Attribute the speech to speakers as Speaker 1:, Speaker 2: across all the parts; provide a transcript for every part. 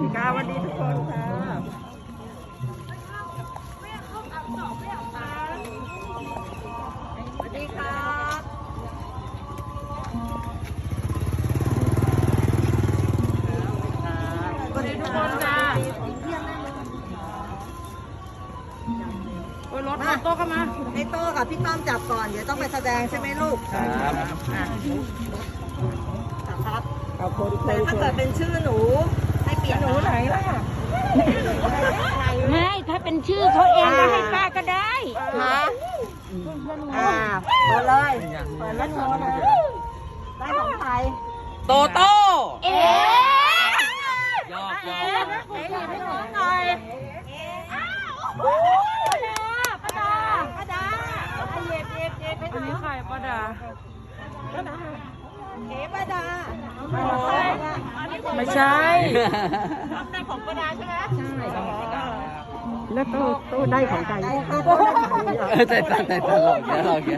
Speaker 1: ค่ะวันดีทุกคนค่ะสวัสดีครับสวัสดีทุกคนจ้าโอ้ยรถโต๊ะเข้ามาให้โต๊ะกับพี่ต้อมจับก่อนเดี๋ยวต้องไปแสดงใช่ไหมลูกครับแต่ถ้าเกิดเป็นชื่อหนูให้เปลี่ยนหนูไหนล่ะ
Speaker 2: ไม่ถ้าเป็นชื่อเขาเองก็ให้ป้าก็ได้
Speaker 1: ฮะเปิดเลยเปิดแล้วโชว์นะได้ของใครโตโต้
Speaker 3: ยอก
Speaker 1: ให้น้องหน่อยป้าดาเย็บอันนี้ใครป้าดาป้าดา
Speaker 2: ไม่ใช่
Speaker 1: ได้ของป้าดาใช่ไหมใช่
Speaker 2: แล้วตู้ได้ของใคร
Speaker 3: แต่ตลกเยอะเราเยอะ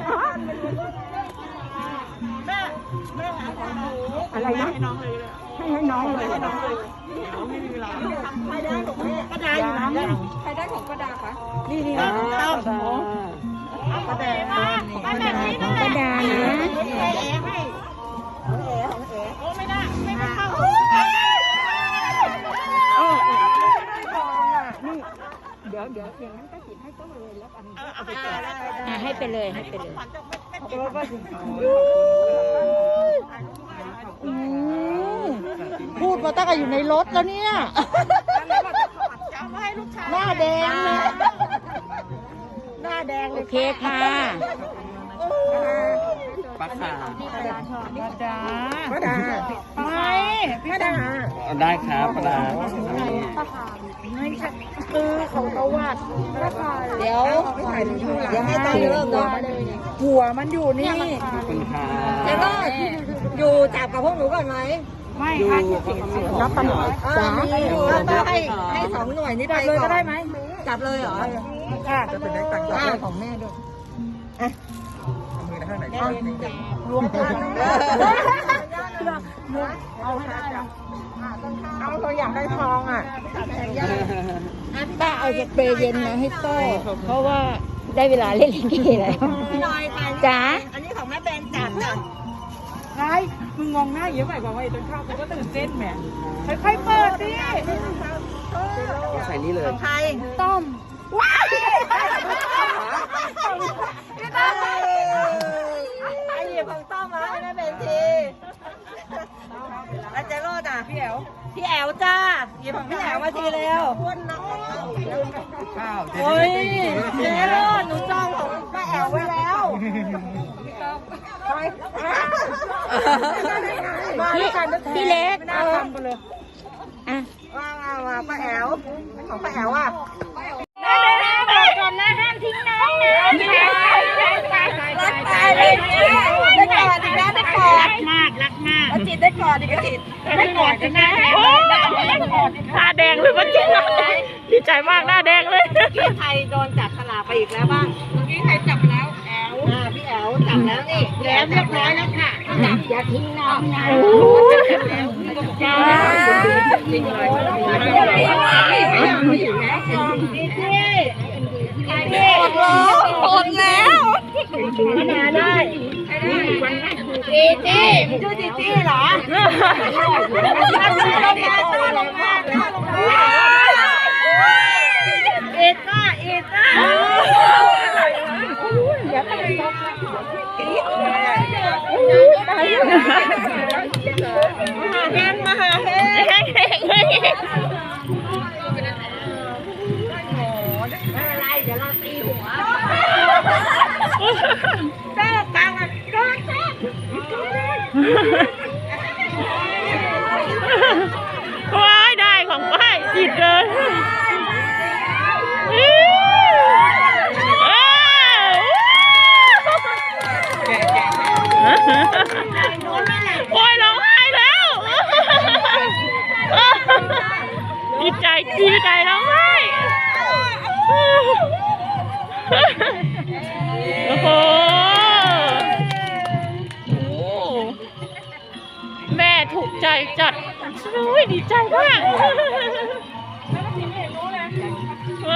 Speaker 2: อะไรนะให้น้องเลย
Speaker 1: ไม่มีเวลาใครได้ของป้าดาอยู่ไหนใครได้ของป้าดาคะนี่เอาป้าดาป้าดา
Speaker 2: ของป้าดานะ
Speaker 1: ให้ของเอ๋โอ้ไม่ได้ไม่เข้า
Speaker 2: เดี๋ยวอย่างนั้นก็จิตให้ต้องเลยแล้วกันให้ไปเลยพูดมาตั้งแต่อยู่ในรถแล้วเนี่ยหน้าแดงเลยโอเคค่ะ
Speaker 3: ป้าขา
Speaker 2: ป้าดาไม่ป้าดา
Speaker 3: ได้ครับป้าดา
Speaker 2: คือของตะวัด
Speaker 1: เดี๋ยวให้ตั้งเริ่มเลย
Speaker 2: หัวมันอยู่นี่
Speaker 3: ขอบคุณค่ะ
Speaker 1: แล้วก็อยู่จับกับพวกหนูก่อนไหม
Speaker 2: ไม่ค่ะรับปัน
Speaker 1: จ้าก็ให้2 หน่วยนี้ไป
Speaker 2: เลยก็ได้ไหม
Speaker 1: จับเลยเหรอ
Speaker 2: ค่ะจะเป็นได้ตังค์ของแม่ด้วยรวมกันเอาให้ได้เอาตัวอย่างได้ทองอ่ะป้าเอาสเปรย์เย็นมาให้โต้เพราะว่าได้เวลาเล่นลิเกแล้วจ๋า
Speaker 1: อันนี้ของแม่แบนจับจ้ะ
Speaker 2: ใช่มึงงงหน้าเยอะไปบอกว่าไอ้ต้นข้าวกูก็ตื่นเต้นแหมค่อยๆเปิดดิ
Speaker 3: ใส่นี่เลย
Speaker 1: ของใคร
Speaker 2: ต้มว้าว
Speaker 1: ไอ้เหยียบของต้อมมาให้แม่แบนทีแล้วเจโรดอ่ะพี่แอวจ้าหยิบของพี่แอวมาทีเร็วโอ้ยเจโรดหนูจองของป้าแอวไว้แล้ว
Speaker 2: พี่เล็ก
Speaker 1: มาป้าแอวของป้าแอวอ่ะ
Speaker 2: บอกก่อนนะห้ามทิ้งน้องนะ
Speaker 1: รักตายเลยได้กอดอีกแล้วได้กอด
Speaker 2: รักมาก
Speaker 1: จิตได้กอดอีกจิตได้กอดอีกนะ
Speaker 2: หน้าแดงเลยมันจริงดีใจมากหน้าแดงเลย
Speaker 1: พี่ไทยโดนจับฉลากไปอีกแล้วบ้างพี่ไทยจับแล้วแอลพี่แอลจับแล้วนี่
Speaker 2: แล้วเรียบร้อยแล้วค่ะอย่าทิ้งน้องนะจ้าจริงเลย
Speaker 1: หมดแล้ว
Speaker 2: มาได้
Speaker 1: จีจี้ชื่อจีจี้เหรอลงมาเอ็ดก้าอย่าไปมาหาเฮงอะไรเดี๋ยวเราตีหัวแม่กลางอ่ะก็
Speaker 2: ว้ายได้ของป้ายจิตเลยโอ้ยร้องไห้แล้วดีใจร้องไห้โอ้โหแม่ถูกใจจัดดีใจมาก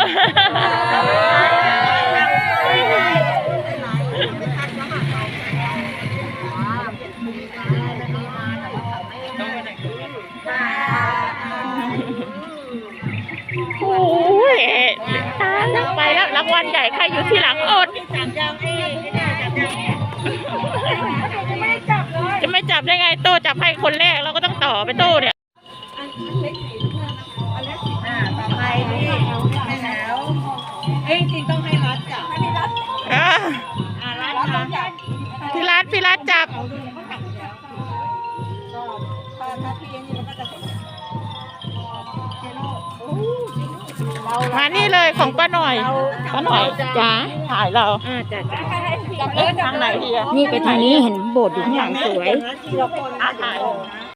Speaker 4: โอ้ยตายแล้วไปแล้วรางวัลใหญ่ใครอยู่ที่หลังอด จะไม่จับได้ไงโต้จับให้คนแรกเราก็ต้องต่อไปโต้เนี่ย
Speaker 1: ต่อไปนี่ให้แล้วจริงต้องให้รัดจับให้รัด รัดต้องจับ
Speaker 4: พี่รัฐจับ
Speaker 1: ถ้าพี่ยังนี่มันก็จะเห็น
Speaker 4: มานี่เลยของป้าหน่อยจ๋าถ่ายเรา
Speaker 1: จับเลย
Speaker 4: ทางไหนดีอะ
Speaker 2: นี่ไปทางนี้เห็นโบสถ์อยู่ข้างหลังสวย
Speaker 1: ทีละคน
Speaker 4: ถ่าย